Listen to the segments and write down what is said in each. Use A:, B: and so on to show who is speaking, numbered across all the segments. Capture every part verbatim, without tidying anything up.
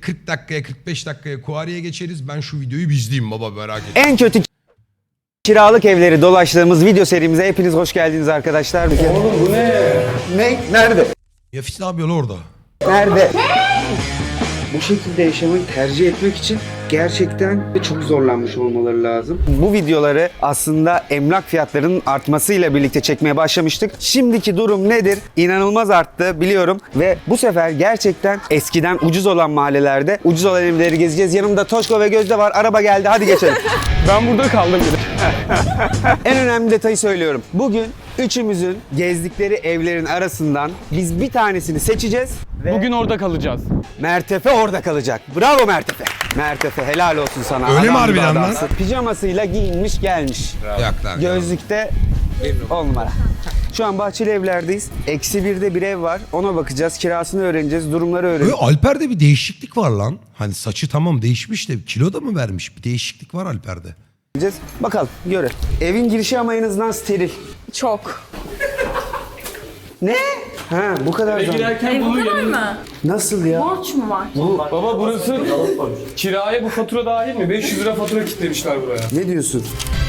A: kırk dakikaya kırk beş dakikaya Kuari'ye geçeriz. Ben şu videoyu bir izleyeyim baba, merak ettim.
B: En kötü kiralık evleri dolaştığımız video serimize hepiniz hoş geldiniz arkadaşlar.
C: Oğlum bu ne?
B: Ne? Nerede?
A: Yafis ne yapıyor lan orada?
B: Nerede? Bu şekilde yaşamayı tercih etmek için gerçekten çok zorlanmış olmaları lazım. Bu videoları aslında emlak fiyatlarının artmasıyla birlikte çekmeye başlamıştık. Şimdiki durum nedir? İnanılmaz arttı biliyorum ve bu sefer gerçekten eskiden ucuz olan mahallelerde ucuz olan evleri gezeceğiz. Yanımda Toşko ve Gözde var. Araba geldi. Hadi geçelim.
C: Ben burada kaldım bile.
B: En önemli detayı söylüyorum. Bugün üçümüzün gezdikleri evlerin arasından biz bir tanesini seçeceğiz. Ve
C: Bugün orada kalacağız.
B: Mertefe orada kalacak. Bravo Mertefe. Mertefe helal olsun sana.
A: Öyle mi
B: Adam gibi
A: harbiden lan?
B: adamsın. Pijamasıyla giyinmiş gelmiş.
A: Yok lan.
B: Gözlükte on numara. Şu an Bahçeli Evler'deyiz. Eksi birde bir ev var. Ona bakacağız. Kirasını öğreneceğiz. Durumları
A: Böyle
B: öğreneceğiz.
A: Alper'de bir değişiklik var lan. Hani saçı tamam değişmiş de kilo da mı vermiş? Bir değişiklik var Alper'de.
B: Bakalım göre. Evin girişi ama en azından steril.
D: Çok.
B: Ne? Ha bu kadar da.
C: Girerken
D: E, bu
C: bunu
D: kadar
C: yanına...
D: mı?
B: Nasıl ya?
D: Borç mu var?
C: Baba burası kiraya bu fatura dahil mi? beş yüz lira fatura kilitlemişler buraya.
B: Ne diyorsun?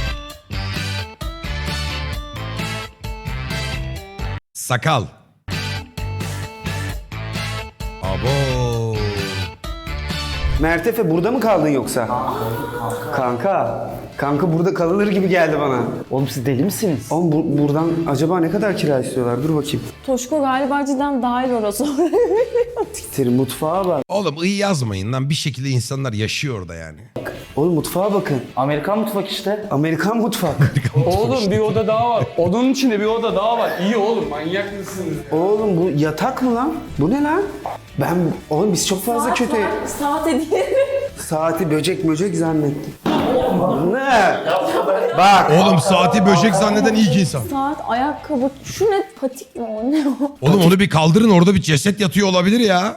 A: Sakal. Abo.
B: Mertefe burada mı kaldın yoksa? Kanka. Kanka burada kalınır gibi geldi bana.
E: Oğlum siz deli misiniz?
B: Oğlum bu- buradan acaba ne kadar kira istiyorlar? Dur bakayım.
D: Toşko galiba cidden dahil orası.
B: Siktir mutfağa bak.
A: Oğlum iyi yazmayın lan. Bir şekilde insanlar yaşıyor orada yani.
B: Oğlum mutfağa bakın.
E: Amerikan mutfak işte.
B: Amerikan mutfak.
C: Oğlum bir oda daha var. Odanın içinde bir oda daha var. İyi oğlum, manyak mısınız?
B: Oğlum bu yatak mı lan? Bu ne lan? Ben oğlum biz çok fazla
D: Saat
B: kötü
D: var, Saat hediye.
B: saati böcek böcek zannettim. Ne? Bak.
A: Oğlum saati böcek zanneden ilk insan.
D: Saat, ayakkabı. Şu ne? Patik mi o? Ne o?
A: Oğlum onu bir kaldırın, orada bir ceset yatıyor olabilir ya.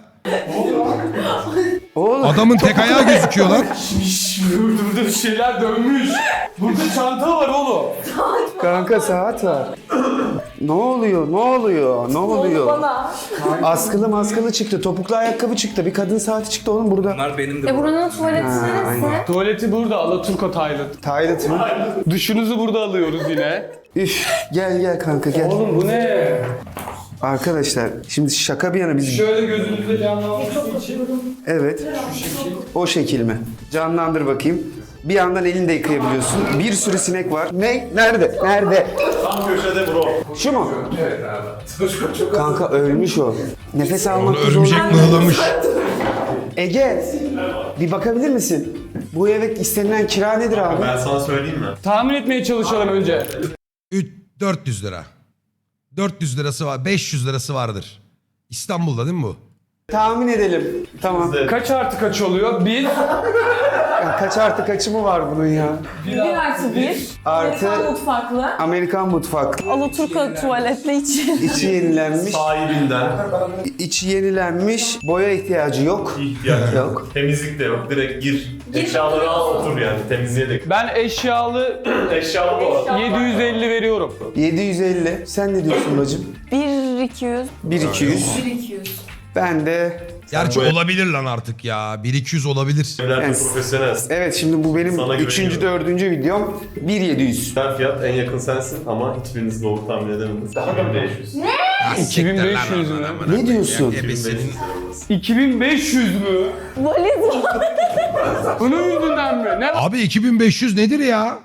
B: Oğlum.
A: Adamın tek ayağı gözüküyor lan.
C: Burada bir şeyler dönmüş. Burada çanta var oğlum.
B: Kanka saat var. Ne oluyor? Ne oluyor? Ne oluyor?
D: Bana.
B: Askılı maskılı çıktı. Topuklu ayakkabı çıktı. Bir kadın saati çıktı oğlum burada.
D: E buranın tuvaleti neresi?
C: Tuvaleti burada, Alaturka Tayland.
B: Taylat mı?
C: Duşunuzu burada alıyoruz yine.
B: Üf, gel gel kanka gel.
C: Oğlum bu ne?
B: Arkadaşlar şimdi şaka bir yana biz...
C: Şöyle gözünüzde canlanması için.
B: Evet. O şekil mi? Canlandır bakayım. Bir yandan elini de yıkayabiliyorsun. Bir sürü sinek var. Ne? Nerede? Nerede?
F: Tam köşede bro.
B: Şu mu? Evet abi. Kanka ölmüş o. Nefes
A: Onu
B: almak
A: örümcek mıhlamış.
B: Ege, bir bakabilir misin? Bu eve istenilen kira nedir abi?
F: Ben sana söyleyeyim mi?
C: Tahmin etmeye çalışalım önce.
A: üç dört yüz lira. dört yüz lirası var. beş yüz lirası vardır. İstanbul'da değil mi bu?
B: Tahmin edelim. Tamam.
C: Kaç artı kaç oluyor? Bir.
B: Ya kaç artı kaçı mı var bunun ya?
D: Bir artı bir.
B: Artı-
D: Amerikan mutfaklı.
B: Amerikan mutfak.
D: Alaturka tuvaletli içi.
B: İçi yenilenmiş.
F: Sahibinden
B: İçi yenilenmiş. Boya ihtiyacı yok.
F: ihtiyaç yok.
B: Yok.
F: Temizlik de yok. Direkt gir. Eşyaları al otur yani. Temizliğe de.
C: Ben eşyalı
F: Eşyalı bu arada.
C: yedi yüz elli veriyorum.
B: yedi yüz elli. Sen ne diyorsun bacım?
D: Bir iki yüz.
B: bir iki yüz.
D: Bir iki yüz.
B: Ben de...
A: Gerçi
F: bu-
A: olabilir lan artık ya. bir iki yüz olabilir.
F: Evlerde
B: Yani-
F: profesyonel.
B: Evet şimdi bu benim
F: Sana
B: üçüncü,
F: güveniyorum.
B: dördüncü videom. bir yedi yüz.
F: Güzel fiyat, en yakın sensin ama hiçbiriniz doğru tahmin edemediniz. Daha da beş yüz.
A: Ha, siktir
C: iki bin beş
A: lan
C: yüz
A: oradan
C: mü?
A: amına
B: Ne
A: koyayım.
B: diyorsun?
A: Ya, ebesinin-
C: iki bin beş yüz mü?
D: Valiz var.
C: Bunun yüzünden mi? Ne
A: Abi iki bin beş yüz nedir ya?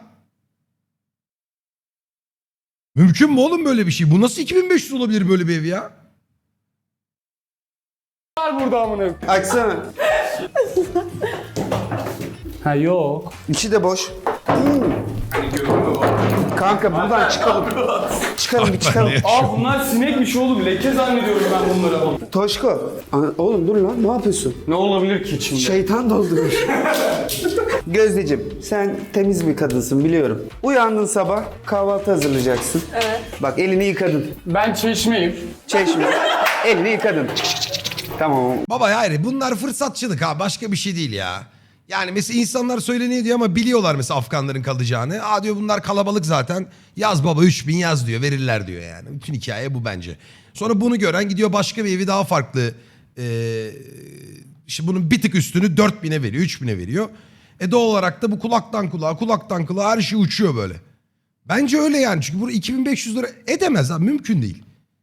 A: Mümkün mü oğlum böyle bir şey? Bu nasıl iki bin beş yüz olabilir böyle bir ev ya?
C: var burada amına?
B: Açsana.
C: Ha yok.
B: İçi de boş. Hmm. Kanka buradan çıkalım. Çıkalım bir çıkalım.
C: Aa bunlar sinekmiş oğlum. Leke zannediyorum ben bunları.
B: Toşko. Ana- Oğlum dur lan ne yapıyorsun?
C: Ne olabilir ki içinde?
B: Şeytan doldurur. Gözdeciğim sen temiz bir kadınsın biliyorum. Uyandın sabah kahvaltı hazırlayacaksın.
D: Evet.
B: Bak elini yıkadın.
C: Ben çeşmeyim.
B: Çeşme. Elini yıkadın. Tamam.
A: Baba hayır bunlar fırsatçılık ha, başka bir şey değil ya. Yani mesela insanlar söyleniyor diyor ama biliyorlar mesela Afganların kalacağını. Aa diyor bunlar kalabalık zaten. Yaz baba üç bin yaz diyor, verirler diyor yani. Bütün hikaye bu bence. Sonra bunu gören gidiyor başka bir evi daha farklı e, işte bunun bir tık üstünü dört bine veriyor, üç bine veriyor. E doğal olarak da bu kulaktan kulağa, kulaktan kulağa her şey uçuyor böyle. Bence öyle yani. Çünkü bu iki bin beş yüz lira edemez abi. Mümkün değil.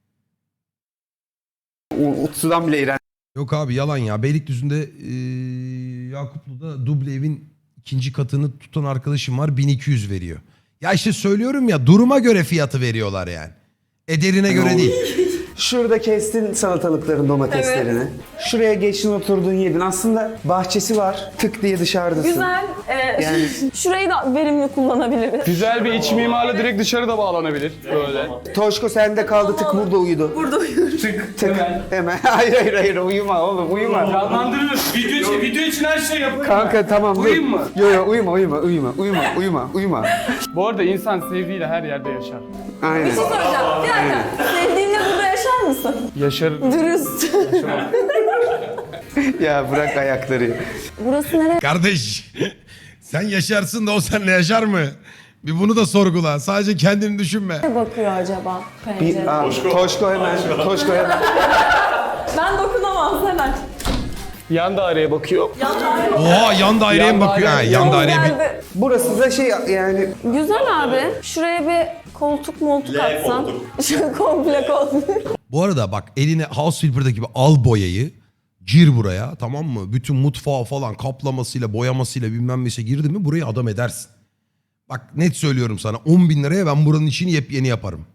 B: U- Utsu'dan bile iğrenç.
A: Yok abi yalan ya. Beylikdüzü'nde eee Yakuplu'da duble evin ikinci katını tutan arkadaşım var. bin iki yüz veriyor. Ya işte söylüyorum ya, duruma göre fiyatı veriyorlar yani. Ederine göre değil.
B: Şurada kestin salatalıkların, domateslerini. Şuraya geçtin, oturdun, yedin. Aslında bahçesi var. Tık diye dışarıdasın.
D: Güzel. Ee,
B: Yani-
D: Şurayı da verimli kullanabiliriz.
C: Güzel bir iç mimarla direkt dışarıda bağlanabilir. Böyle.
B: Toşko sende kaldı, tık burada uyudu.
D: Burada uyuyoruz.
C: Tık.
B: Tık.
C: Hemen.
B: Hemen. Hayır hayır hayır, uyuma oğlum, uyuma.
C: Canlandırılır. Video için, video için her şey yapılır.
B: Kanka tamam dur.
C: Uyuyayım mı?
B: Yo yo uyuma uyuma uyuma uyuma uyuma uyuma.
C: Bu arada insan sevdiğiyle her yerde yaşar.
B: Aynen.
D: Bir şey soracağım. Bir dakika. Sevdiğinle burada yaşar mısın?
C: Yaşar.
D: Dürüst.
B: Ya bırak ayakları.
D: Burası nereye
A: Kardeş sen yaşarsın da o seninle yaşar mı? Bir bunu da sorgula. Sadece kendini düşünme.
D: bakıyor acaba
B: Bir,
D: pencere?
B: aa, Toşko hemen. Toşko hemen.
D: Ben dokunamam hemen.
C: Yan daireye bakıyor.
A: Oha yan daireye mi
C: Yan
A: bakıyor? Ha,
C: daire-
A: yan
D: Yol
A: daireye bir...
D: geldi.
B: Burası da şey yani
D: Güzel abi. Şuraya bir koltuk moltuk
F: L
D: atsan.
F: koltuk.
D: Şu komple koltuk.
A: Bu arada bak eline House Flipper'daki gibi al boyayı. Gir buraya, tamam mı? Bütün mutfağı falan kaplamasıyla, boyamasıyla bilmem neyse girdi mi burayı adam edersin. Bak net söylüyorum sana, on bin liraya ben buranın içini yepyeni yaparım.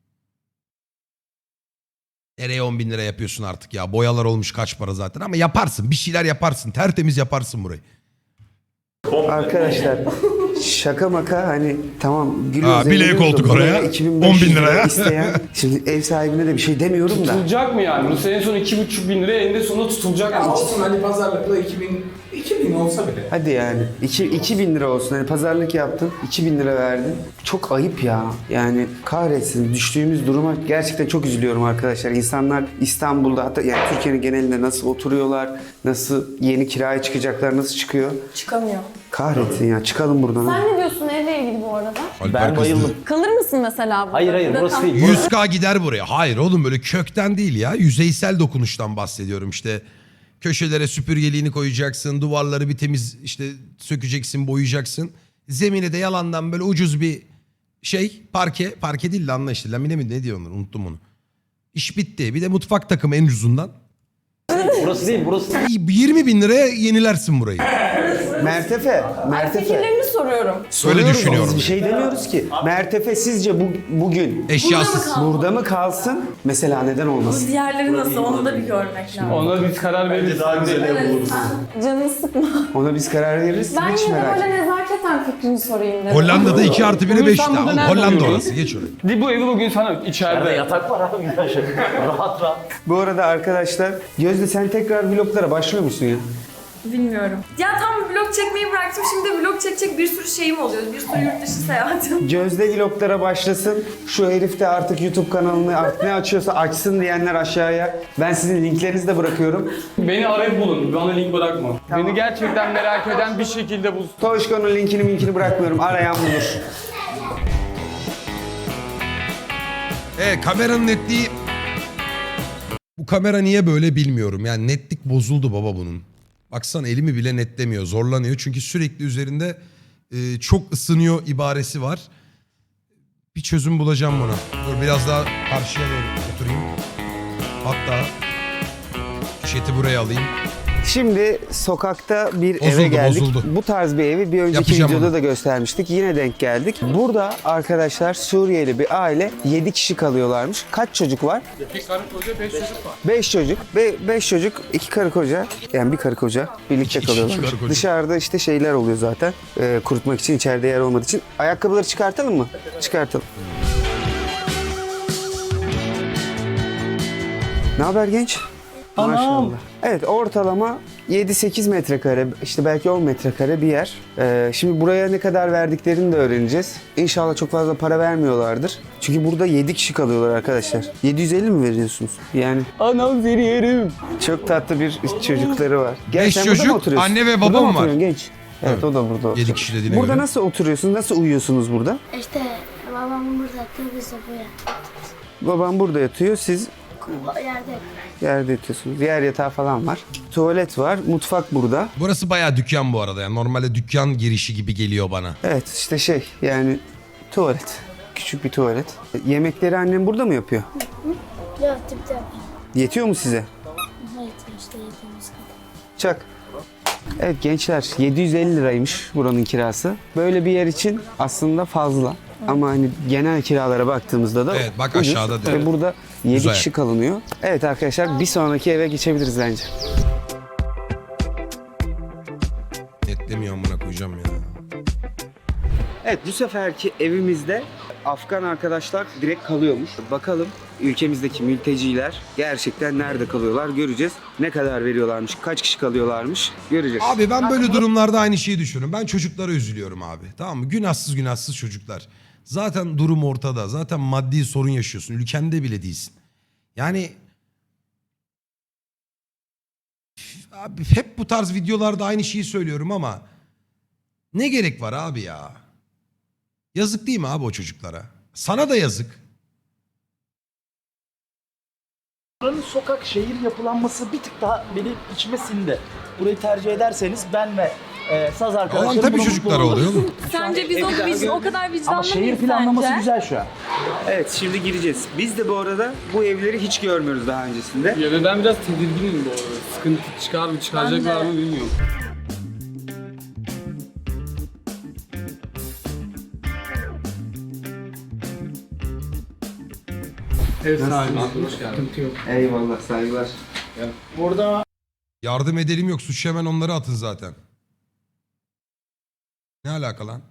A: Nereye on bin lira yapıyorsun artık ya? Boyalar olmuş kaç para zaten, ama yaparsın. Bir şeyler yaparsın. Tertemiz yaparsın burayı.
B: arkadaşlar şaka maka hani tamam gülüyoruz.
A: Ha, bileğe
B: eğleniyoruz da
A: koltuk
B: buraya
A: oraya,
B: iki bin
A: on
B: beş yüz
A: bin liraya.
B: isteyen. Şimdi ev sahibine de bir şey demiyorum da.
C: Tutulacak mı yani? Bu en son iki buçuk bin liraya eninde sonunda tutulacak
G: Ya
C: mı?
G: olsun hani pazarlıkla iki bin, iki bin olsa bile.
B: Hadi yani iki, iki bin lira olsun. Hani pazarlık yaptın, iki bin lira verdin. Çok ayıp ya. Yani kahretsin, düştüğümüz duruma gerçekten çok üzülüyorum arkadaşlar. İnsanlar İstanbul'da, hatta yani Türkiye'nin genelinde nasıl oturuyorlar, nasıl yeni kiraya çıkacaklar, nasıl çıkıyor.
D: Çıkamıyor.
B: Kahretsin ya, çıkalım buradan.
D: Sen ne diyorsun evle ilgili bu arada?
A: Alper
E: Ben
A: kızdı.
E: bayıldım.
D: Kalır mısın mesela burada?
E: Hayır hayır
D: Burada
E: burası
D: kal-
E: değil.
A: yüz K gider buraya. Hayır oğlum, böyle kökten değil ya. Yüzeysel dokunuştan bahsediyorum işte. Köşelere süpürgeliğini koyacaksın. Duvarları bir temiz işte sökeceksin, boyayacaksın. Zemine de yalandan böyle ucuz bir şey. Parke. Parke değil de anla işte. Lamine mi ne diyor onlar? Unuttum onu. İş bitti. Bir de mutfak takımı en ucuzundan.
E: Burası değil burası değil.
A: yirmi bin liraya yenilersin burayı.
B: Mertefe,
D: Ay,
B: Mertefe.
D: fikirlerini soruyorum.
A: Öyle
B: Soruyoruz,
A: düşünüyorum.
B: Biz bir şey demiyoruz ki. Mertefe sizce bu, bugün
A: Eşyasız.
B: burada mı kalsın? Mesela neden olmasın?
D: Diğerleri nasıl onu da bir görmek lazım.
C: Ona biz karar veririz.
F: Daha güzel ev buluruz.
D: Canını sıkma.
B: Ona biz karar veririz.
D: Ben
B: Hiç
D: yine de
B: merak
D: böyle
B: etme.
D: nezaketen fikrini sorayım dedim.
A: Hollanda'da iki artı biri
C: Bunu
A: beş
C: sen
A: tane.
C: burada
A: Oğlum,
C: nerede
A: Hollanda
C: uyuyorsun?
A: orası. Geç oraya.
C: Di bu evi bugün sana
E: Nerede
C: içeride.
E: yatak var abi güzel şey. Rahat rahat.
B: Bu arada arkadaşlar, Gözde sen tekrar vloglara başlıyor musun ya?
H: Bilmiyorum. Ya tam vlog çekmeyi bıraktım. Şimdi vlog çekecek bir sürü şeyim oluyor. Bir sürü yurt dışı seyahatim.
B: Gözde vloglara başlasın. Şu herif de artık YouTube kanalını artık ne açıyorsa açsın diyenler aşağıya. Ben sizin linklerinizi de bırakıyorum.
C: Beni arayıp bulun. Bana link bırakma. Beni gerçekten merak eden bir şekilde bul.
B: Toşko'nun linkini minkini bırakmıyorum. Arayan bulur.
A: Evet, kameranın netliği... Bu kamera niye böyle bilmiyorum. Yani netlik bozuldu baba bunun. Baksana elimi bile netlemiyor. Zorlanıyor. Çünkü sürekli üzerinde e, çok ısınıyor ibaresi var. Bir çözüm bulacağım buna. Dur biraz daha karşıya doğru oturayım. Hatta şeti buraya alayım.
B: Şimdi sokakta bir
A: Bozuldu,
B: eve geldik.
A: bozuldu.
B: Bu tarz bir evi bir önceki
A: Yapacağım
B: videoda
A: onu.
B: da göstermiştik. Yine denk geldik. Burada arkadaşlar Suriyeli bir aile yedi kişi kalıyorlarmış. Kaç çocuk var?
C: İki karı koca beş çocuk var.
B: beş çocuk. beş çocuk, iki karı koca. Yani bir karı koca birlikte
A: İki-
B: kalıyorlar.
A: iki karı koca.
B: Dışarıda işte şeyler oluyor zaten. Ee, kurutmak için, içeride yer olmadığı için. Ayakkabıları çıkartalım mı? Çıkartalım. Ne haber genç? Maşallah. Evet, ortalama yedi sekiz metrekare, işte belki on metrekare bir yer. Ee, şimdi buraya ne kadar verdiklerini de öğreneceğiz. İnşallah çok fazla para vermiyorlardır. Çünkü burada yedi kişi kalıyorlar arkadaşlar. yedi yüz elli mi veriyorsunuz? Yani
C: Anam seni yerim.
B: çok tatlı bir çocukları var. Gel,
A: Beş
B: sen burada mı
A: çocuk,
B: oturuyorsun?
A: anne ve
B: Burada
A: babam
B: mı
A: var.
B: oturuyorsun genç? Evet,
A: Evet.
B: o da burada oturuyor.
A: Yedi kişi dediğine
B: Burada
A: göre.
B: nasıl oturuyorsunuz? Nasıl uyuyorsunuz burada?
I: İşte babam burada yatıyor, biz de buraya.
B: Babam burada yatıyor, siz
D: Yerde.
B: Yerde yatıyorsunuz. Diğer yatağı falan var. Tuvalet var. Mutfak burada.
A: Burası bayağı dükkan bu arada. Yani normalde dükkan girişi gibi geliyor bana.
B: Evet işte şey yani tuvalet. Küçük bir tuvalet. Yemekleri annem burada mı yapıyor?
D: Yok tipte.
B: Yetiyor mu size?
D: Evet işte yediğimiz kadar.
B: Çak. Evet gençler yedi yüz elli liraymış buranın kirası. Böyle bir yer için aslında fazla. Ama hani genel kiralara baktığımızda da
A: Evet, bak
B: ucuz.
A: aşağıda
B: Ve
A: direkt.
B: burada yedi
A: Güzel.
B: kişi kalınıyor. Evet arkadaşlar bir sonraki eve geçebiliriz bence.
A: Netlemiyor amına koyacağım ya.
B: Evet bu seferki evimizde Afgan arkadaşlar direkt kalıyormuş. Bakalım ülkemizdeki mülteciler gerçekten nerede kalıyorlar göreceğiz. Ne kadar veriyorlarmış, kaç kişi kalıyorlarmış göreceğiz.
A: Abi ben böyle durumlarda aynı şeyi düşünüyorum. Ben çocuklara üzülüyorum abi. Tamam mı? Günahsız günahsız çocuklar. Zaten durum ortada. Zaten maddi sorun yaşıyorsun. Ülkende bile değilsin. Yani abi hep bu tarz videolarda aynı şeyi söylüyorum ama ne gerek var abi ya? Yazık değil mi abi o çocuklara? Sana da yazık.
E: Buranın sokak şehir yapılanması bir tık daha benim içime sindi. Burayı tercih ederseniz ben ve e, saz arkadaşlarım
A: Olan tabii
E: buna
A: çocuklara
E: mutlu oluruz.
A: oluyor mu?
H: Sence biz o, biz o kadar vicdanlı
E: Ama
H: mıyız
E: şehir planlaması
H: sence?
E: güzel şu an.
B: Evet şimdi gireceğiz. Biz de bu arada bu evleri hiç görmüyoruz daha öncesinde.
C: Ya ve ben biraz tedirginim bu arada. Sıkıntı çıkar mı çıkaracaklar
H: Ben de.
C: mı bilmiyorum.
G: Ev sahibi. Hoş geldin.
B: Eyvallah saygılar.
G: Burada
A: Yardım edelim yok. Suç hemen onları atın zaten. Ne alaka lan?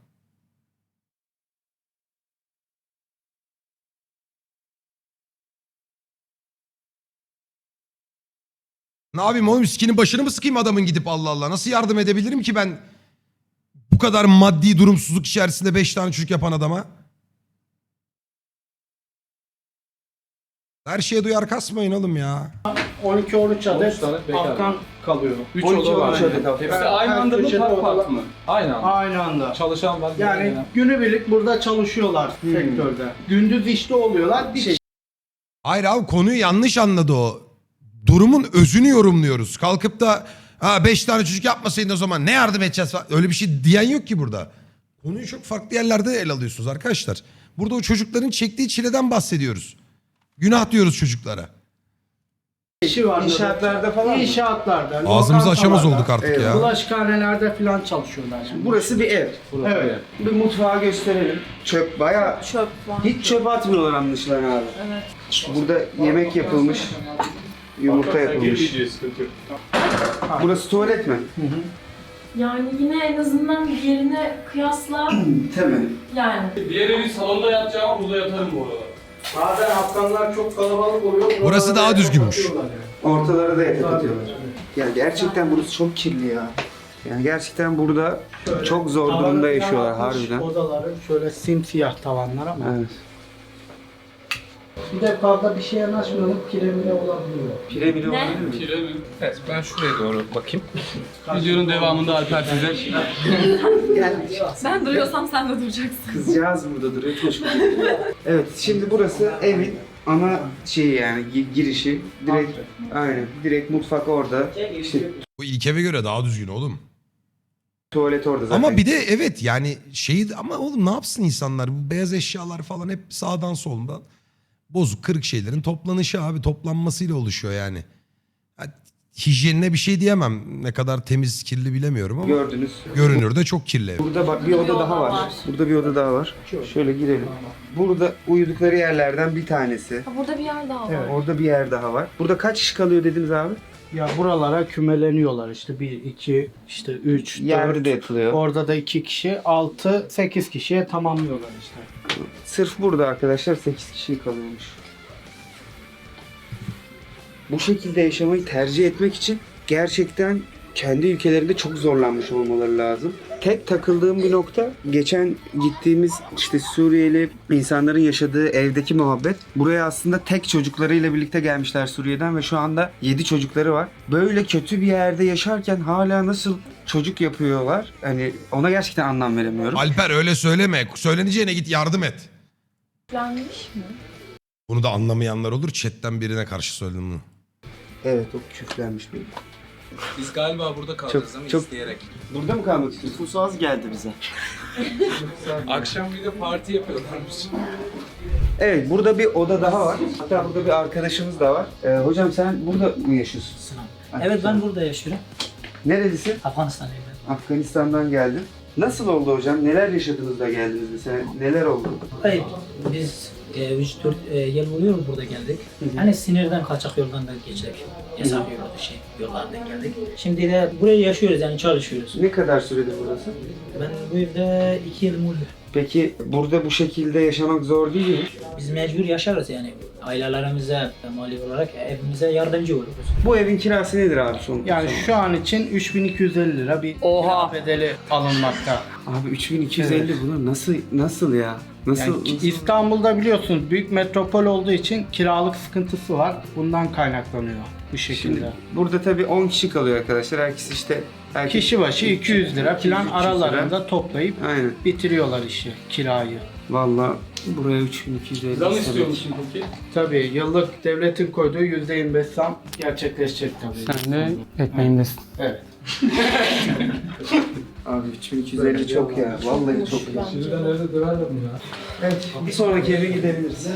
A: Ne yapayım oğlum? Sikinin başını mı sıkayım adamın gidip Allah Allah? Nasıl yardım edebilirim ki ben bu kadar maddi durumsuzluk içerisinde beş tane çocuk yapan adama? Her şeye duyar kasmayın oğlum ya.
G: on iki on üç adet
C: tane bekar.
G: Afgan kalıyor.
C: üç
B: on iki
C: oda var.
B: on üç adet Afgan.
C: Hepsi
G: Her-
C: aynı
G: her
C: anda mı
G: köşede
C: part part
G: odalar-
C: mı? Aynı anda.
G: Aynı anda.
C: Çalışan var.
G: Yani günübirlik burada çalışıyorlar sektörde. Gündüz işte oluyorlar. Bir şey
A: Hayır abi konuyu yanlış anladı o. Durumun özünü yorumluyoruz. Kalkıp da ha beş tane çocuk yapmasaydın o zaman ne yardım edeceğiz falan. Öyle bir şey diyen yok ki burada. Konuyu çok farklı yerlerde ele alıyorsunuz arkadaşlar. Burada o çocukların çektiği çileden bahsediyoruz. Günah diyoruz çocuklara.
G: işi var.
B: İnşaatlarda falan mı?
G: İnşaatlarda.
A: Ağzımızı açamaz
G: lokantalarda,
A: olduk artık
B: Evet.
A: ya.
G: Bulaşıkhanelerde falan çalışıyorlar. Şimdi.
B: Burası bir ev.
G: Evet.
B: Bir mutfağı gösterelim. Çöp bayağı
H: Çöp var.
B: hiç çöp atmıyorlar anlaşılan abi.
H: Evet.
B: Burada yemek yapılmış. Yumurta yapılmış.
C: Sıkıntı yok.
B: Burası tuvalet mi?
H: Yani yine en azından diğerine kıyasla
B: Tabii.
H: yani.
C: Diğer evi salonda yatacağım, burada yatarım bu arada.
G: Bazen Afganlar çok kalabalık oluyor.
A: Burası
G: Buralara
A: daha
G: yatak
A: düzgünmüş.
G: atıyorlar yani.
B: Ortalara da yatak atıyorlar.
G: Tabii.
B: Ya gerçekten burası çok kirli ya. Yani gerçekten burada çok zor
G: Tavanı
B: durumda
G: falan
B: yaşıyorlar
G: atmış,
B: harbiden.
G: Odaları şöyle simsiyah tavanlar ama.
B: Evet.
G: Bir de fazla bir şeye yanaşmayalım kiremine olabiliyor.
B: Pire bile
H: Ne?
B: olabilir mi?
C: Kire mi? Evet, ben şuraya doğru bakayım. Videonun devamında Alper size...
H: Ben duruyorsam sen de duracaksın.
B: Kızcağız burada duruyor. Koş. Evet şimdi burası evin ana şeyi yani gi- girişi. Direkt aynen. Direkt mutfak orada. İşte
A: Bu ilk eve göre daha düzgün oğlum.
B: tuvalet orada zaten.
A: Ama bir de evet yani şeyi ama oğlum ne yapsın insanlar? Bu beyaz eşyalar falan hep sağdan soldan. Bozuk kırık şeylerin toplanışı abi. Toplanmasıyla oluşuyor yani. Ha, hijyenine bir şey diyemem. Ne kadar temiz kirli bilemiyorum ama.
B: gördünüz.
A: Görünürde çok kirli ev.
B: Burada bak bir oda
H: oda
B: daha var.
H: var.
B: Burada bir oda daha var. Şöyle girelim. Burada uyudukları yerlerden bir tanesi.
H: Ha, burada bir yer daha var.
B: Evet, orada bir yer daha var. Burada kaç kişi kalıyor dediniz abi?
G: Ya buralara kümeleniyorlar işte bir, iki, işte üç,
B: Yerde
G: dört.
B: de yatılıyor.
G: Orada da iki kişi, altı, sekiz kişiye tamamlıyorlar işte.
B: Sırf burada arkadaşlar sekiz kişi kalıyormuş. Bu şekilde yaşamayı tercih etmek için gerçekten kendi ülkelerinde çok zorlanmış olmaları lazım. Tek takıldığım bir nokta geçen gittiğimiz işte Suriyeli insanların yaşadığı evdeki muhabbet. Buraya aslında tek çocuklarıyla birlikte gelmişler Suriye'den ve şu anda yedi çocukları var. Böyle kötü bir yerde yaşarken hala nasıl çocuk yapıyorlar? Hani ona gerçekten anlam veremiyorum.
A: Alper öyle söyleme. Söyleneceğine git yardım et.
H: Planmış mı?
A: Bunu da anlamayanlar olur. Chat'ten birine karşı söyledim bunu.
B: Evet, o küflenmiş bir.
C: Biz galiba burada kalacağız
B: Çok-
C: ama
B: çok-
C: isteyerek.
B: Burada mı kalmak istiyorsun?
E: Nüfusu az geldi bize.
C: Akşam bir de parti yapıyorlarmış.
B: Evet, burada bir oda daha var. Hatta burada bir arkadaşımız da var. Ee, hocam sen burada mı yaşıyorsun?
I: Evet ben burada yaşıyorum.
B: Nerelisin?
I: Afganistan'dayım ben.
B: Afganistan'dan geldim. Nasıl oldu hocam? Neler yaşadınız da geldiniz mesela? Neler oldu?
I: Hayır, biz üç dört yıl oluyor burada geldik. Hani sinirden kaçak yoldan da geçtik. Hesap yolu şey yollardan geldik. Şimdi de buraya yaşıyoruz yani çalışıyoruz.
B: Ne kadar süredir burası?
I: Ben bu evde iki yılım oldu.
B: Peki burada bu şekilde yaşamak zor değil mi?
I: Biz mecbur yaşarız yani. Ailelerimize, mali olarak evimize yardımcı oluruz.
B: Bu evin kirası nedir abi son?
G: Yani
B: son-
G: şu an için üç bin iki yüz elli lira bir
C: Oha!
G: kira bedeli alınmakta.
B: Abi üç bin iki yüz elli bunlar nasıl nasıl ya? Nasıl?
G: Yani ki-
B: nasıl?
G: İstanbul'da biliyorsunuz büyük metropol olduğu için kiralık sıkıntısı var. Bundan kaynaklanıyor bu şekilde.
B: Şimdi burada tabii on kişi kalıyor arkadaşlar. Herkes işte herkes
G: Kişi başı iki yüz lira
B: iki yüz,
G: falan
B: üç yüz lira.
G: aralarında toplayıp
B: Aynen.
G: bitiriyorlar işi, kirayı.
B: Vallahi buraya üç bin iki yüz elli.
C: Zam
B: istemek.
C: istiyor musun peki?
G: Tabii yıllık devletin koyduğu yüzde yirmi beş zam gerçekleşecek tabii.
C: Sen de ekmeğimdesin.
G: Evet.
B: Abi üç bin iki yüz elli çok ya. Vallahi çok ya.
C: Şimdiden evde döverdim ya.
B: Evet, bir sonraki eve gidebiliriz.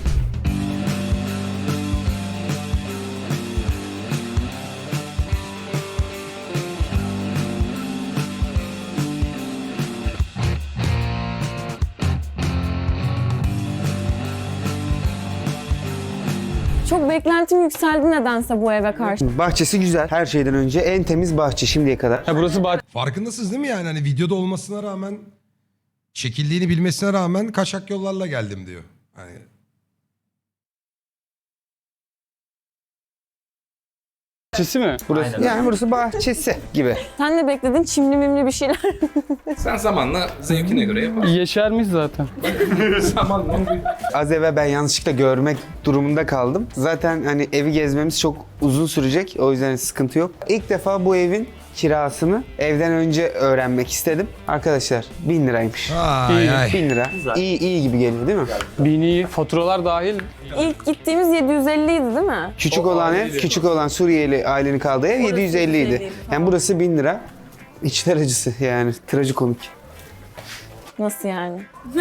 D: Çok beklentim yükseldi nedense bu eve karşı.
B: Bahçesi güzel. Her şeyden önce en temiz bahçe şimdiye kadar.
C: Ha burası bahçe.
A: Farkındasınız değil mi yani? Hani videoda olmasına rağmen, çekildiğini bilmesine rağmen kaçak yollarla geldim diyor. Hani
C: Bahçesi mi? Burası.
B: Yani burası bahçesi gibi.
D: Sen de bekledin çimli mimli bir şeyler.
C: Sen zamanla zevkine göre yaparsın. Yeşermiş zaten. Zamanla.
B: Az evvel ben yanlışlıkla görmek durumunda kaldım. Zaten hani evi gezmemiz çok uzun sürecek. O yüzden sıkıntı yok. İlk defa bu evin kirasını evden önce öğrenmek istedim. Arkadaşlar bin liraymış.
A: ay ay.
B: bin lira. İyi iyi gibi geliyor değil mi?
C: Bini, faturalar dahil.
D: İlk gittiğimiz yedi yüz elli idi değil mi?
B: Küçük olan ev, küçük olan Suriyeli ailenin kaldığı ev yedi yüz elli idi. Yani burası bin lira. İçler acısı yani. Trajikomik.
D: Nasıl yani?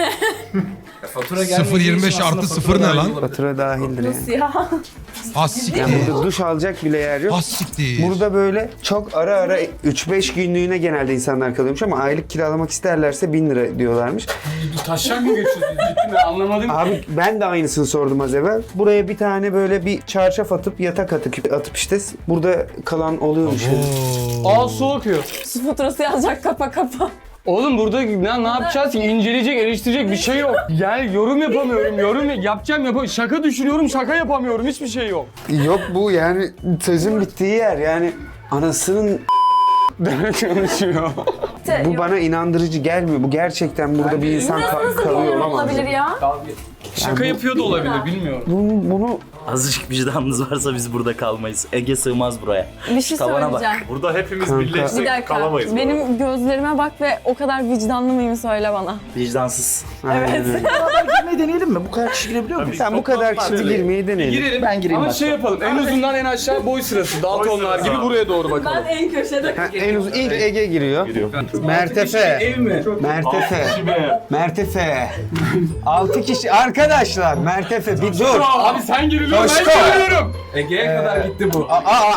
C: Fatura
A: sıfır yirmi beş artı sıfır ne lan?
B: Fatura dahildir yani.
D: Ya.
A: Has siktir.
B: Yani burada duş alacak bile yer yok.
A: Has siktir.
B: Burada böyle çok ara ara üç beş günlüğüne genelde insanlar kalıyormuş ama aylık kiralamak isterlerse bin lira diyorlarmış.
C: Taşak mı geçiyorsunuz? Ciddi mi? Anlamadım.
B: Abi ben de aynısını sordum az evvel. Buraya bir tane böyle bir çarşaf atıp yatak atıp, atıp işte burada kalan oluyormuş.
C: Aa su akıyor.
D: Su faturası yazacak kapa kapa.
C: Oğlum burada ne, ne yapacağız ki? İnceleyecek, eleştirecek bir şey yok. Yani yorum yapamıyorum, yorum yapacağım yapamıyorum. Şaka düşünüyorum, şaka yapamıyorum. Hiçbir şey yok.
B: Yok bu yani sözün bittiği yer yani anasının
C: Demek konuşuyor.
B: bu bana inandırıcı gelmiyor. Bu gerçekten burada bir insan ka-
D: Nasıl
B: kalıyor
D: doğru
B: olamaz.
D: olabilir ya?
C: Şaka yapıyor da olabilir, bilmiyorum.
B: Bunu, bunu
E: Azıcık vicdanınız varsa biz burada kalmayız. Ege sığmaz buraya.
D: Bir şey
E: Tavana bak.
D: söyleyeceğim.
F: Burada hepimiz
B: Kanka.
D: Bir
F: birleşsek
D: dakika.
F: kalamayız. bu arada.
D: Benim gözlerime bak ve o kadar vicdanlı mıyım söyle bana.
E: Vicdansız.
B: Aynen öyle.
E: Girmeyi deneyelim mi? Bu kadar kişi girebiliyor muyuz?
B: Sen bu kadar kişi girmeyi deneyelim.
C: Girelim.
E: Ben gireyim
C: Ama
E: hatta.
C: şey yapalım, en uzundan en aşağı boy sırası. Daltonlar gibi buraya doğru bakalım.
D: en köşede.
B: Ha, en uzun ilk Ege giriyor. Mertefe.
C: Ev mi?
B: Mertefe. Mertefe. Altı kişi. Arkadaşlar Mertefe bir dur.
C: Abi sen giriliyor,
B: Coşko.
C: ben giriyorum. Ege'ye kadar gitti bu.
B: Aa, aa,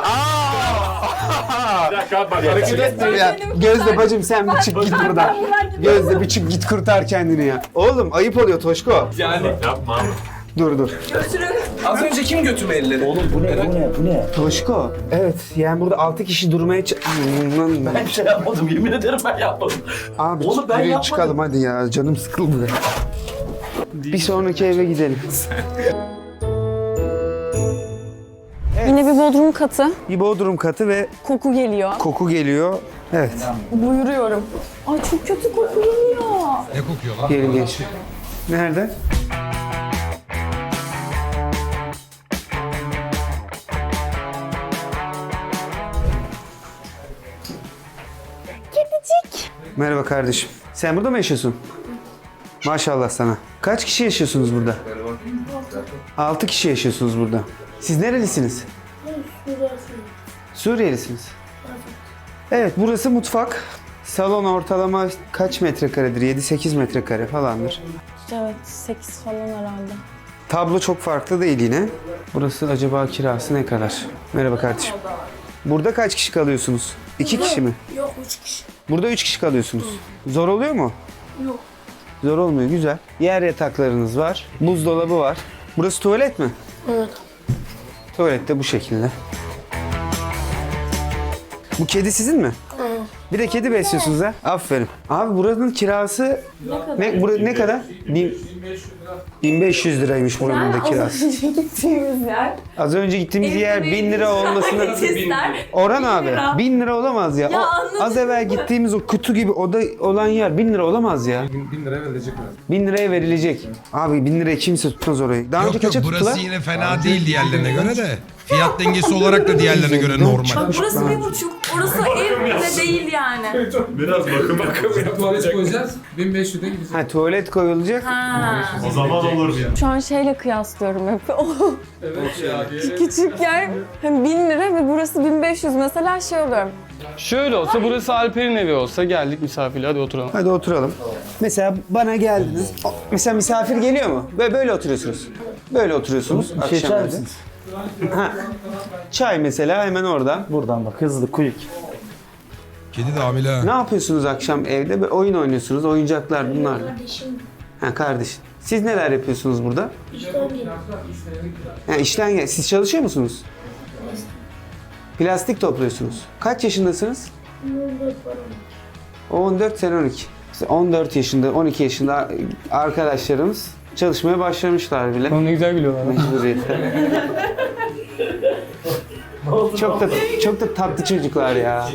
B: aa.
F: Bir dakika bak hareket etme.
B: Ya, Gözde bacım sen bir çık git buradan. Gözde bir çık git kurtar kendini ya. Oğlum ayıp oluyor Toşko.
C: Yani
F: Yapma.
B: Dur dur.
C: az önce kim götürme elleri? Oğlum
E: Bu ne? Bu ne? Bu ne?
B: Toşko. Evet yani burada altı kişi durmaya ç-
E: Ben şey yapmadım. Yemin ederim ben yapmadım.
B: Abi
E: Oğlum
B: çık
E: ben
B: yürüyün
E: yapmadım.
B: çıkalım hadi ya. Canım sıkıldı be. Bir sonraki eve gidelim.
D: Yine bir bodrum katı.
B: Bir bodrum katı ve
D: Koku geliyor.
B: koku geliyor. Evet.
D: Buyuruyorum. Ay çok kötü koku geliyor.
A: Ne kokuyor lan?
B: Gelin geç. Nerede?
D: Kedicik.
B: Merhaba kardeşim. Sen burada mı yaşıyorsun? Maşallah sana. Kaç kişi yaşıyorsunuz burada? Altı kişi yaşıyorsunuz burada. Siz nerelisiniz? Suriyelisiniz. Evet, burası mutfak. Salon ortalama kaç metrekaredir? yedi sekiz metrekare falandır.
D: Evet sekiz falan herhalde.
B: Tablo çok farklı değil yine. Burası acaba kirası ne kadar? Merhaba kardeşim. Burada kaç kişi kalıyorsunuz? İki kişi mi?
D: Yok üç kişi.
B: Burada üç kişi kalıyorsunuz. Zor oluyor mu?
D: Yok.
B: Zor olmuyor, güzel. Yer yataklarınız var. Buzdolabı var. Burası tuvalet mi?
D: Evet.
B: Tuvalet de bu şekilde. Bu kedi sizin mi? Bir de kedi besliyorsunuz ha? Aferin. Abi buranın kirası ne, bura, ne kadar? Bin, bin beş yüz liraymış buranın da kirası.
D: Az önce gittiğimiz yer.
B: Az önce gittiğimiz yer bin lira olmasını... Orhan abi bin lira olamaz ya.
H: Ya
B: O,
H: anladın
B: az evvel gittiğimiz o kutu gibi oda olan yer bin lira olamaz ya.
A: bin liraya verilecek mi?
B: bin liraya verilecek. Abi bin liraya kimse tutmaz orayı. Daha önce
A: Yok yok
B: kaça
A: burası
B: tuttular?
A: yine fena değil diğerlerine göre de. Fiyat dengesi olarak da diğerlerine göre normal.
H: Bak burası bir buçuk, orası ev bile değil yani.
F: Biraz bakım bakım.
J: Tuvalet koyacağız. bin beş yüze gidecek.
B: Ha tuvalet koyulacak.
H: Ha.
F: O zaman olur.
D: Şu an şeyle kıyaslıyorum hep. O
J: Evet ya.
D: küçük yer hem bin lira ve burası bin beş yüz mesela şey oluyorum.
C: Şöyle olsa burası Alper'in evi olsa geldik misafirle hadi oturalım.
B: Hadi oturalım. Mesela bana geldiniz. Mesela misafir geliyor mu? Böyle, böyle oturuyorsunuz. Böyle oturuyorsunuz.
E: Bir şey içer
B: akşamları.
E: misiniz?
B: Ha. Çay mesela hemen orada.
E: Buradan bak hızlı quick.
A: Kedi de hamile ha.
B: Ne yapıyorsunuz akşam evde? Böyle oyun oynuyorsunuz. Oyuncaklar bunlarla.
D: Kardeşim.
B: Ha kardeş. Siz neler yapıyorsunuz burada? Ha, işten gel. Siz çalışıyor musunuz? Plastik topluyorsunuz. Kaç yaşındasınız? on dört sen on iki. İşte on dört yaşında, on iki yaşında arkadaşlarımız çalışmaya başlamışlar bile.
C: Onu ne güzel biliyorlar.
B: Mecburiyetten. çok da çok da tatlı çocuklar ya.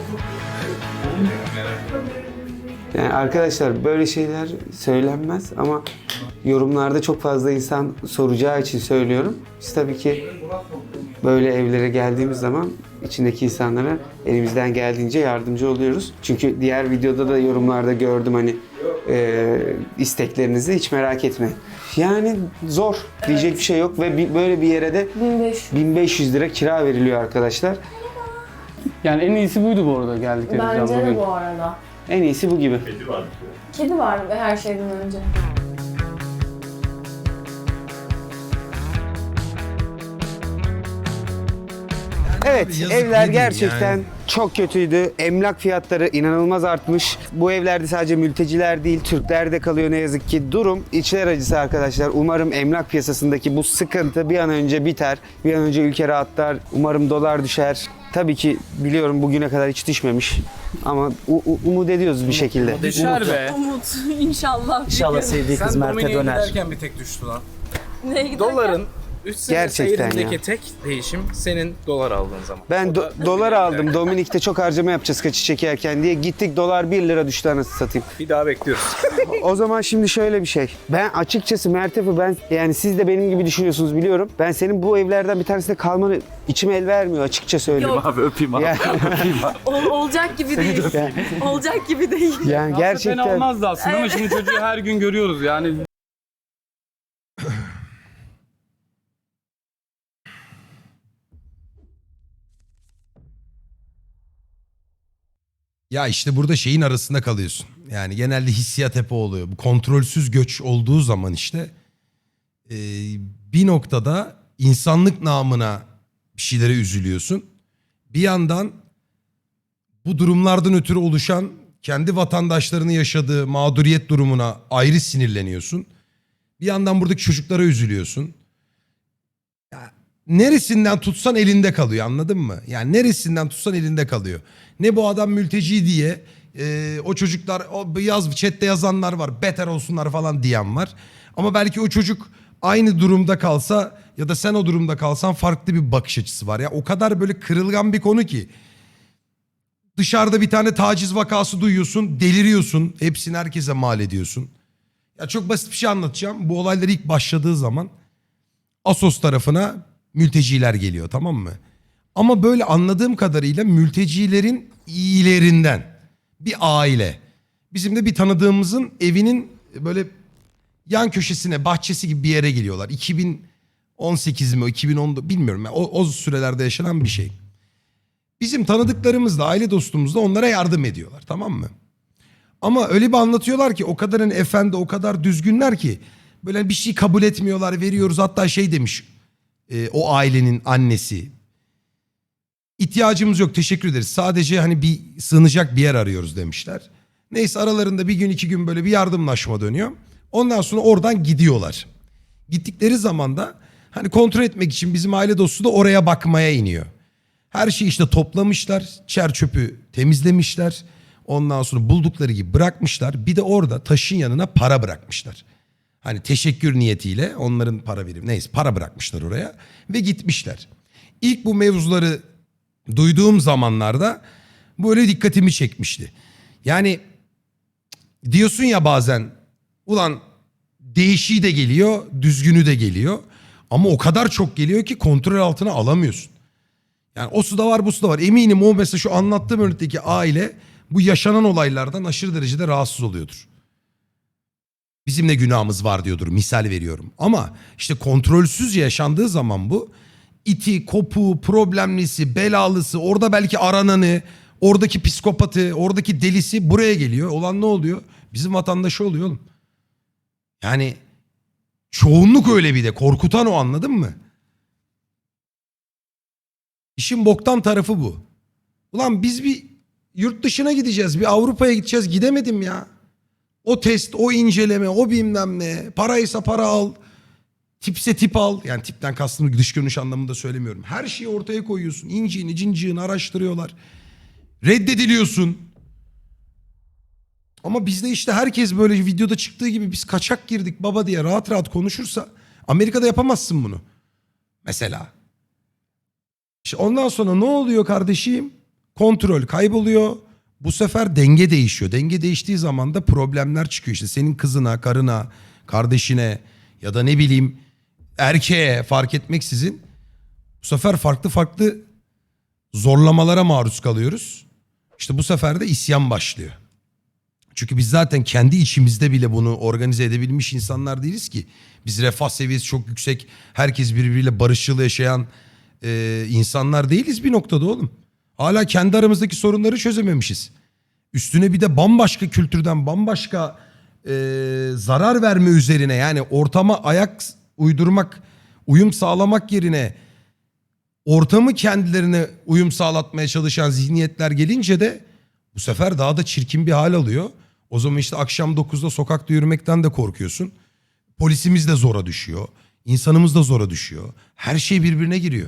B: Yani arkadaşlar böyle şeyler söylenmez ama yorumlarda çok fazla insan soracağı için söylüyorum. Biz tabii ki böyle evlere geldiğimiz zaman içindeki insanlara elimizden geldiğince yardımcı oluyoruz. Çünkü diğer videoda da yorumlarda gördüm hani e, isteklerinizi hiç merak etmeyin. Yani zor diyecek bir şey yok ve bir, böyle bir yere de
D: bin beş yüz.
B: bin beş yüz lira kira veriliyor arkadaşlar.
C: Yani en iyisi buydu bu arada geldiklerimizden
D: Bence de
C: bugün.
D: bu arada.
B: En iyisi bu gibi.
F: Kedi var.
D: Kedi var her şeyden önce.
B: Evet,
A: Abi yazık
B: evler
A: ne diyeyim
B: gerçekten
A: yani.
B: çok kötüydü. Emlak fiyatları inanılmaz artmış. Bu evlerde sadece mülteciler değil, Türkler de kalıyor ne yazık ki. Durum içler acısı arkadaşlar. Umarım emlak piyasasındaki bu sıkıntı bir an önce biter. Bir an önce ülke rahatlar. Umarım dolar düşer. Tabii ki biliyorum bugüne kadar hiç düşmemiş. Ama u- u- umut ediyoruz bir şekilde.
C: Düşer be.
H: Umut inşallah.
E: İnşallah sevdiği kız Mert'e döner.
J: bir tek düştü lan.
H: Neye giderken?
J: Doların üç sene
B: Gerçekten
J: seyrindeki
B: ya.
J: tek değişim senin dolar aldığın zaman.
B: Ben do- dolar aldım. Dominik'te çok harcama yapacağız kaçı çekerken diye. Gittik dolar bir lira düştü anasını satayım.
J: Bir daha bekliyoruz.
B: O zaman şimdi şöyle bir şey. Ben açıkçası Mertef'i ben yani siz de benim gibi düşünüyorsunuz biliyorum. Ben senin bu evlerden bir tanesinde kalmanı içime el vermiyor açıkça söyleyeyim.
E: Abi öpeyim abi.
B: Yani,
H: Ol- olacak gibi değil. olacak gibi değil.
B: yani
C: Fena
B: gerçekten
C: olmazdı aslında ama şimdi çocuğu her gün görüyoruz yani.
A: Ya işte burada şeyin arasında kalıyorsun. Yani genelde hissiyat hep o oluyor. Bu kontrolsüz göç olduğu zaman işte e, bir noktada insanlık namına bir şeylere üzülüyorsun. Bir yandan bu durumlardan ötürü oluşan kendi vatandaşlarının yaşadığı mağduriyet durumuna ayrı sinirleniyorsun. Bir yandan buradaki çocuklara üzülüyorsun. Ya, neresinden tutsan elinde kalıyor anladın mı? Yani neresinden tutsan elinde kalıyor. Ne bu adam mülteci diye e, o çocuklar o yaz chatte yazanlar var beter olsunlar falan diyen var. Ama belki o çocuk aynı durumda kalsa ya da sen o durumda kalsan farklı bir bakış açısı var. Ya o kadar böyle kırılgan bir konu ki. Dışarıda bir tane taciz vakası duyuyorsun, deliriyorsun. Hepsini herkese mal ediyorsun. Ya çok basit bir şey anlatacağım. Bu olaylar ilk başladığı zaman Assos tarafına mülteciler geliyor, tamam mı? Ama böyle anladığım kadarıyla mültecilerin iyilerinden bir aile. Bizim de bir tanıdığımızın evinin böyle yan köşesine bahçesi gibi bir yere geliyorlar. iki bin on sekiz mi iki bin on bilmiyorum. Yani o, o sürelerde yaşanan bir şey. Bizim tanıdıklarımız da aile dostumuz da onlara yardım ediyorlar, tamam mı? Ama öyle bir anlatıyorlar ki o kadar hani efendi, o kadar düzgünler ki böyle bir şey kabul etmiyorlar, veriyoruz. Hatta şey demiş e, o ailenin annesi, ihtiyacımız yok, teşekkür ederiz, sadece hani bir sığınacak bir yer arıyoruz demişler. Neyse aralarında bir gün iki gün böyle bir yardımlaşma dönüyor. Ondan sonra oradan gidiyorlar. Gittikleri zaman da hani kontrol etmek için bizim aile dostu da oraya bakmaya iniyor. Her şeyi işte toplamışlar, çer çöpü temizlemişler. Ondan sonra buldukları gibi bırakmışlar. Bir de orada taşın yanına para bırakmışlar. Hani teşekkür niyetiyle onların para verip neyse para bırakmışlar oraya ve gitmişler. İlk bu mevzuları duyduğum zamanlarda böyle dikkatimi çekmişti. Yani diyorsun ya bazen ulan değişiği de geliyor, düzgünü de geliyor. Ama o kadar çok geliyor ki kontrol altına alamıyorsun. Yani o su da var, bu su da var. Eminim o mesela şu anlattığım örnekteki aile bu yaşanan olaylardan aşırı derecede rahatsız oluyordur. Bizim de günahımız var diyordur, misal veriyorum. Ama işte kontrolsüzce yaşandığı zaman bu iti, kopu, problemlisi, belalısı, orada belki arananı, oradaki psikopatı, oradaki delisi buraya geliyor. Olan ne oluyor? Bizim vatandaşı oluyor oğlum. Yani çoğunluk öyle, bir de korkutan o, anladın mı? İşin boktan tarafı bu. Ulan biz bir yurt dışına gideceğiz, bir Avrupa'ya gideceğiz, gidemedim ya. O test, o inceleme, o bilmem ne, paraysa para al, tipse tip al. Yani tipten kastım dış görünüş anlamında söylemiyorum. Her şeyi ortaya koyuyorsun, inciğini cinciğini araştırıyorlar. Reddediliyorsun. Ama bizde işte herkes böyle videoda çıktığı gibi biz kaçak girdik baba diye rahat rahat konuşursa Amerika'da yapamazsın bunu. Mesela. İşte ondan sonra ne oluyor kardeşim? Kontrol kayboluyor. Bu sefer denge değişiyor. Denge değiştiği zaman da problemler çıkıyor. İşte senin kızına, karına, kardeşine ya da ne bileyim erkeğe fark etmeksizin bu sefer farklı farklı zorlamalara maruz kalıyoruz. İşte bu sefer de isyan başlıyor. Çünkü biz zaten kendi içimizde bile bunu organize edebilmiş insanlar değiliz ki. Biz refah seviyesi çok yüksek, herkes birbiriyle barışçıl yaşayan e, insanlar değiliz bir noktada oğlum. Hala kendi aramızdaki sorunları çözememişiz. Üstüne bir de bambaşka kültürden, bambaşka e, zarar verme üzerine, yani ortama ayak uydurmak, uyum sağlamak yerine ortamı kendilerine uyum sağlatmaya çalışan zihniyetler gelince de bu sefer daha da çirkin bir hal alıyor. O zaman işte akşam dokuzda sokakta yürümekten de korkuyorsun. Polisimiz de zora düşüyor. İnsanımız da zora düşüyor. Her şey birbirine giriyor.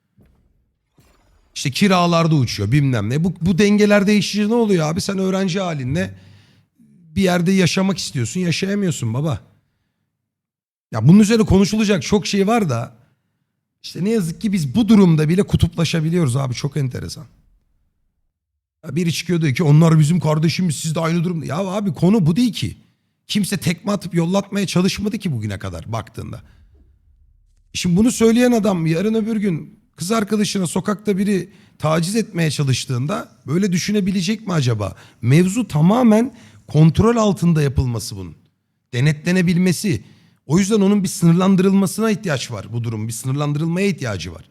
A: İşte kiralarda uçuyor bilmem ne. Bu, bu dengeler değişince ne oluyor abi? Sen öğrenci halinle bir yerde yaşamak istiyorsun, yaşayamıyorsun baba. Ya bunun üzerine konuşulacak çok şey var da işte ne yazık ki biz bu durumda bile kutuplaşabiliyoruz abi, çok enteresan. Ya biri çıkıyor diyor ki onlar bizim kardeşimiz, siz de aynı durumda. Ya abi konu bu değil ki. Kimse tekme atıp yollatmaya çalışmadı ki bugüne kadar baktığında. Şimdi bunu söyleyen adam yarın öbür gün kız arkadaşına sokakta biri taciz etmeye çalıştığında böyle düşünebilecek mi acaba? Mevzu tamamen kontrol altında yapılması bunun. Denetlenebilmesi. O yüzden onun bir sınırlandırılmasına ihtiyaç var bu durum. Bir sınırlandırılmaya ihtiyacı var.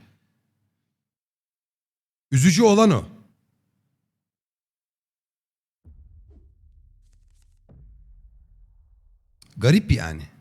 A: Üzücü olan o. Garip yani.